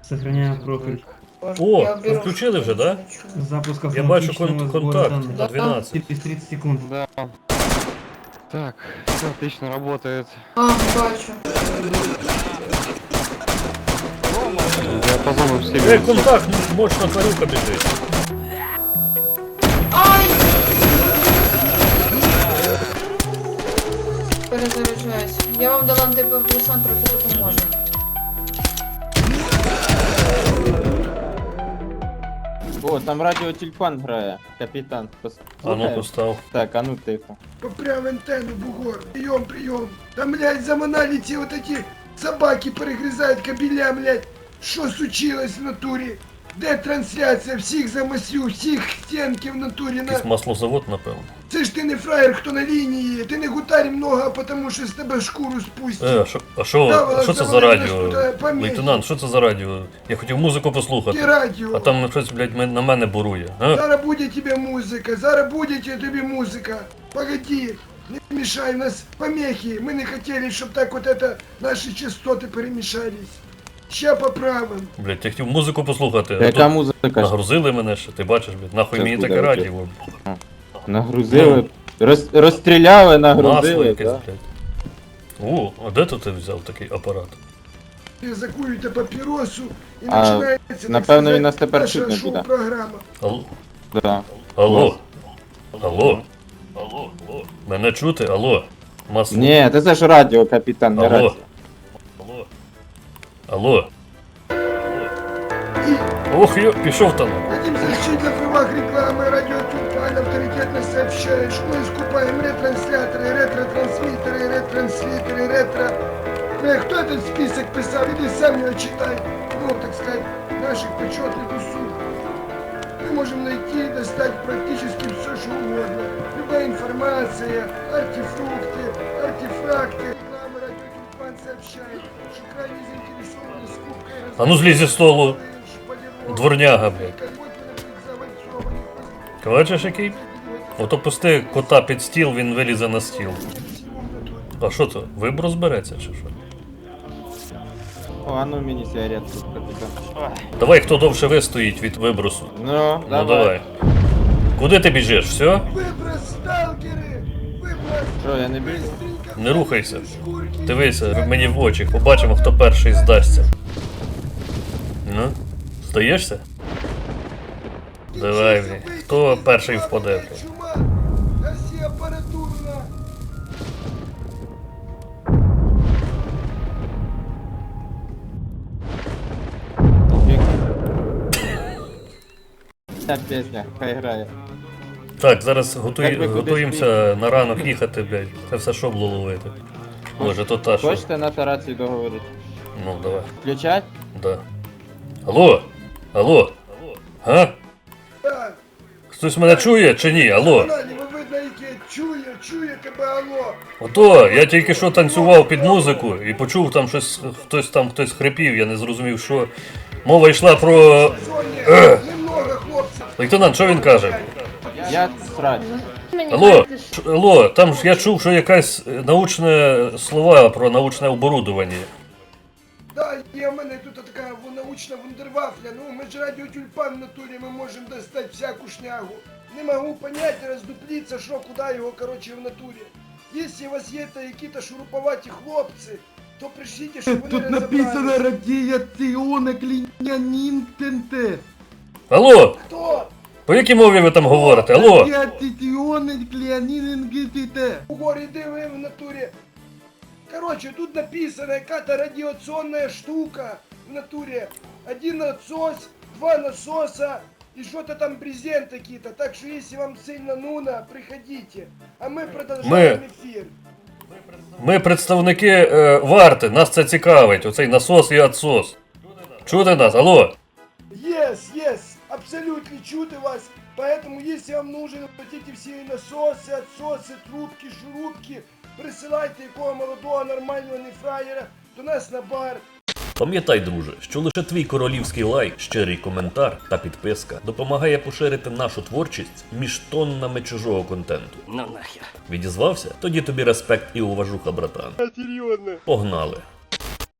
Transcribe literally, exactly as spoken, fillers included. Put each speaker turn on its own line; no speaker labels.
Сохраняю профиль.
О, ви включили вже, да?
Запуск
Я бачу
автоматичного
кон-
сбора
контакт
данных.
на двенадцать.
Через тридцать секунд.
Да. Так, все отлично работает.
А, бачу.
Диапазоны все
Е, контакт, мощна тварюка біжить.
Ай! Перезаряджаюсь. Я вам дала антипердесан, трохи допоможе.
О, там радіотюльпан грає, капітан. Пос-
А ну
слухаєш?
постав.
Так, а ну тихо.
Попрям антенну, бугор. Прием, прием. Там, блядь, заманали ті вот эти собаки перегризають кабеля, блядь. Що случилось в натурі? Де трансляція? Всіх замасю, всіх стенки в натурі на...
Якийсь маслозавод, напевно.
Це ж ти не фраєр, хто на лінії. Ти не гутарь много, а потому що з тебе шкуру спустять.
Е, а що, а що,
Да,
що це за
завалили
радіо?
ж туди помехи.
Лейтенант, що це за радіо? Я хотів музику послухати.
Ті радіо.
А там щось, блядь, мен- на мене бурує. А?
Зараз буде тебе музика, зараз буде тобі музика. Погоди, не мешай, у нас помехи. Мы не хотели, чтобы так вот это наши частоты перемешались. Ща поправим.
Блядь, я хотів музику послухати. А
Яка
тут
музика?
нагрузили мене ще, ти бачиш, блядь, нахуй
Щас
мені
буде,
таке
окей.
радіо.
Нагрузили. Роз, розстріляли,
Масло
нагрузили.
якесь,
Да?
блядь. О, а де тут ти взяв такий апарат?
Закуєте папіросу і
А,
починається, так
напевно,
сказати,
він нас тепер
наша
чути не буде.
шоу-програма.
Алло?
Да.
Алло? Алло? Алло? Алло? Мене чути? Алло? Масло?
Ні, це ж радіо, капітан, не
Алло?
радіо.
Алло? Алло? Ох, йо, пішов там.
Хотим защитить на правах рекламы. Радио Тюльпан авторитетно сообщает, что мы скупаем ретрансляторы, ретро-трансмиттеры, ретранслитеры, ретро... Э, кто этот список писал? Иди сам его читай. Ну, так сказать, наших почетных услуг. Мы можем найти и достать практически все, что угодно. Любая информация, артефрукты, артефакты. Реклама Радио Тюльпан сообщает, что крайне заинтересованы скупкой...
А ну злізь зі столу. Дворняга, блядь. Бачиш який? Ото пусти кота під стіл, він вилізе на стіл. А що це? Виброс береться чи що?
О, а ну мені сигаретку, капітан.
Давай, хто довше вистоїть від вибросу.
Ну,
Ну
давай.
давай. Куди ти біжиш? Все?
Выброс, сталкеры! Выброс!
Що, я не біжу?
Не рухайся. Дивися мені в очі, побачимо, хто перший здасться. Ну, здаєшся? Давай, блін. Хто перший впаде? блін?
Чума! Гаси апаратурно!
Ця пісня, хай грає.
Так, зараз готуй,
Як ви кудись
готуємося на ранок їхати, блядь. Це все шобло ловити. Може, то та що?
Хочете на тарації договорити?
Ну, давай.
Включать?
Да. Алло? Алло? Га?
Да!
Хтось мене чує чи ні? Алло?
Вона не видно, яке чує, чує тебе, алло!
Ото, я тільки що танцював під музику і почув там щось, хтось там хтось хрипів, я не зрозумів, що. Мова йшла про.
Соня, немного, хлопців!
Лейтенант, що він каже?
Я срать.
Алло, Ш- алло, там ж я чув, що якась е, научне слова про научне оборудовання.
Да, є в мене тут така научна вундервафля, ну ми ж радіо Тюльпан в натурі, ми можемо достати всяку шнягу. Не можу понять, роздупліться, що, куди його, короче, в натурі. Якщо у вас є та які-то шуруповаті хлопці, то пришліть, щоб вони
Тут написано
розібрались.
радіаційне клінянін ТНТ.
Алло,
Хто?
по якій мові ви там говорите? Алло?
Радіаційне клінянін ГТТ.
Угор, іди ви в натурі. Короче, тут написано, яка-то радиационная штука в натуре. Один отсос, два насоса и что-то там брезент какие-то. Так что если вам сильно нуно, приходите. А мы продолжаем эфир.
Ми представники е, варти, нас це цікавить, оцей насос і отсос. Чути нас, алло?
Yes, yes, абсолютно чудо вас. Поэтому, если вам нужны вот эти все насосы, отсосы, трубки, шурупки, присылайте якого молодого нормального нефраєра до нас на бар.
Пам'ятай, друже, що лише твій королівський лайк, щирий коментар та підписка допомагає поширити нашу творчість між тоннами чужого контенту. Ну нахер. Відізвався? Тоді тобі респект і уважуха, братан. Серйозно. Погнали.